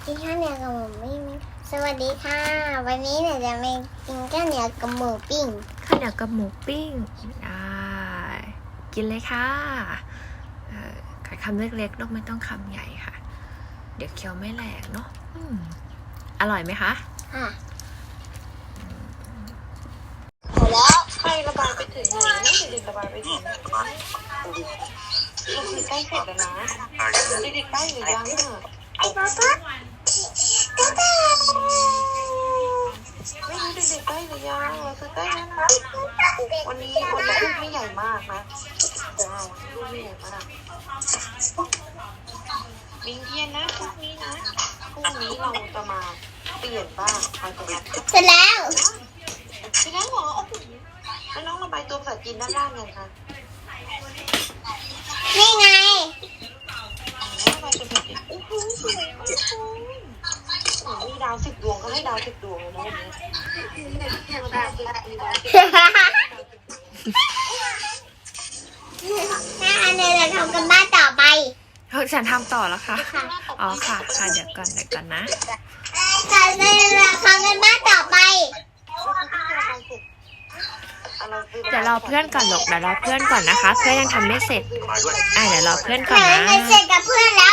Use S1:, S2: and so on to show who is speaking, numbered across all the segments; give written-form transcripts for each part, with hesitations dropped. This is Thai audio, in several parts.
S1: กินข้าวเหนียวกับหมูปิ้งสวัสดีค่ะ วันนี้หนูจะมากินข้าวเหนียวกับหมูปิ้ง
S2: ข้าวเหนียวกับหมูปิ้งได้กินเลยค่ะกัดคำเล็กๆลูกไม่ต้องคำใหญ่ค่ะเดี๋ยวเคี้ยวไม่แหลกเนาะอร่อยไหมคะ
S1: ค่ะ
S2: แล้วใครระบายไปถึงไหนนะเด็กๆระบายไปถึงเราคือใกล้เสร็จแล้วนะเด็กๆใกล้หรือยังเนี่ย
S1: ไอ้ป๊าป๊า
S2: ไม่รู้เด็กๆใกล้หรือยังเราคือใกล้แล้วนะวันนี้ลูกไม่ใหญ่มากนะลูกไม่ใหญ่มากมิงเทียนนะพรุ่งนี้นะพรุ่งนี้เราจะมาเปลี่ยนบ้างไปตรงนั้น
S1: เสร็จแล้ว
S2: เสร็จแล้วเหรอแล้วน้องระบายตัวภาษาจีนด้านล่างยังคะ
S1: นี่ไง
S2: ระบายตัวภาษาจีนโอ้โหสวยมากเลยมีดาว10 ดวงก็ให้ดาว10 ดวงเลยนะวันนี้
S1: แม่อันนี้เราทำกันบ้านต่อไป
S2: ฉันทำต่อแล้วค่ะอ๋อค่ะเดี๋ยวก่อนนะ
S1: เราทำกันบ้านต่อไป
S2: เดี๋ยวรอเพื่อนก่อนหลกเดี๋ยวรอเพื่อนก่อนนะคะเพื่อนยังทำไม่เสร็จเดี๋ยวรอเพื่อนก่อนนะ
S1: เสร็จกับเพื่อนแล้ว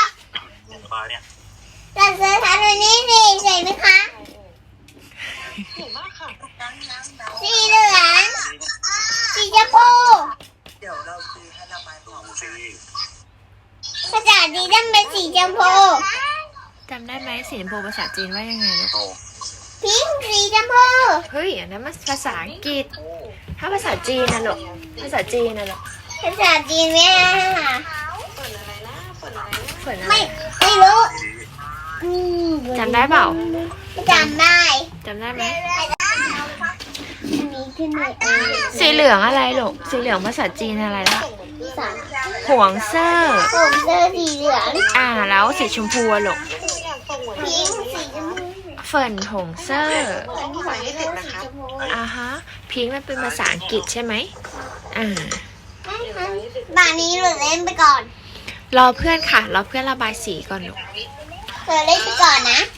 S1: แต่เสื้อทำวันนี้สิเสร็จไหมคะ
S2: เก่งมากค่ะ
S1: สีเหลืองสีชมพู
S3: เดี๋ยวเราซื้อให้ระบายของฟรี
S1: ภาษาจีนต้องเป็นสีชมพู
S2: จำได้ไหมสีชมพูภาษาจีนว่ายังไงลูก
S1: พิงค์สีชมพู
S2: เฮ้ยอันนั้นมันภาษาอังกฤษถ้าภาษาจีนนะลูกภาษาจีนนะลูก
S1: ภาษาจีนไม่ได้ค่ะ
S2: ฝนอะไร
S1: ไม่รู้
S2: จำได้เปล่า
S1: จำได้
S2: ไหม
S1: อันนี้ขึ้นมา
S2: สีเหลืองอะไรลูกสีเหลืองภาษาจีนอะไรล่ะหวงเซอร์
S1: สีเหลือง
S2: แล้วสีชมพูลูก
S1: พิงค์สีชมพู
S2: เฟิร์นหงเซอร์ฮะพิงค์มันเป็นภาษาอังกฤษใช่ไหม
S1: บ้านนี้เราเล่นไปก่อน
S2: รอเพื่อนค่ะรอเพื่อนระบายสีก่อนลูก
S1: เล่นไปก่อนนะ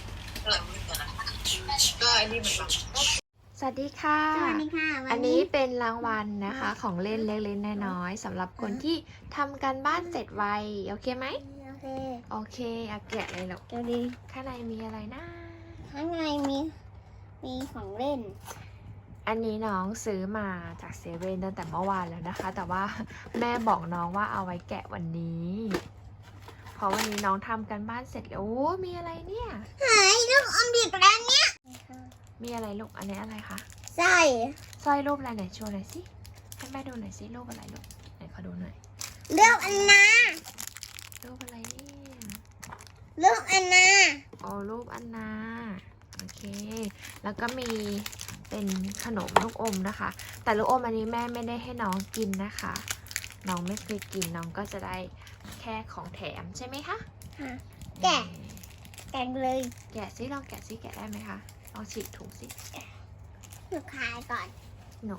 S2: สวัสดีค่ะอันนี้เป็นรางวัลนะคะของเล่นเล็กๆน้อยๆสำหรับคนที่ทำการบ้านเสร็จไวโอเคไหมโอเคแกะเลยลูกข้างในมีอะไรนะ
S1: ข้างในมีของเล่น
S2: อันนี้น้องซื้อมาจากเซเว่นตั้งแต่เมื่อวานแล้วนะคะแต่ว่าแม่บอกน้องว่าเอาไว้แกะวันนี้เพราะวันนี้น้องทำกันบ้านเสร็จแล้วโอ้มีอะไรเนี่ย
S1: เฮ้ยลูกอมดิบแล้วเนี่ย
S2: มีอะไรลูกอันนี้อะไรคะ
S1: สร้
S2: อยรูปอะไรไหนโชว์หน่อยสิให้แม่ดูหน่อยสิรูปอะไรลูกไหนขอดูหน่อย
S1: รูปอันนา
S2: รูปอะไรเนี่ย
S1: รูปอันนา
S2: รูปอันนาโอเคแล้วก็มีเป็นขนมลูกอมนะคะแต่ลูกอมอันนี้แม่ไม่ได้ให้น้องกินนะคะน้องไม่เคยกินน้องก็จะได้แค่ของแถมใช่ไหมคะ
S1: แกะเลย
S2: แกะซิลองแกะซิแกะได้ไหมคะลองฉีกถุงซิ
S1: หนูคายก่อน
S2: หนู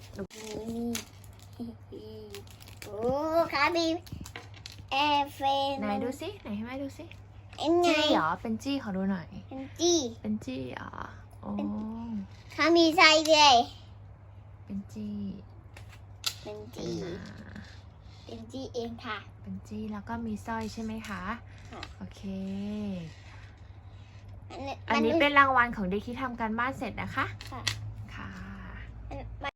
S1: โอ้คาบีแอร์เฟน
S2: ไหนดูซิไหนให้แม่ดูซิ
S1: จี้
S2: เหรอเป็นจี้ขอดูหน่อย
S1: เป็นจี้
S2: เหรอโอ้
S1: เขามีไส้ด้วย
S2: เป็นจี้เ
S1: องค่ะ
S2: เป็นจี้แล้วก็มีสร้อยใช่ไหมคะโอเคอันนี้เป็นรางวัลของเด็กที่ทำการบ้านเสร็จนะคะ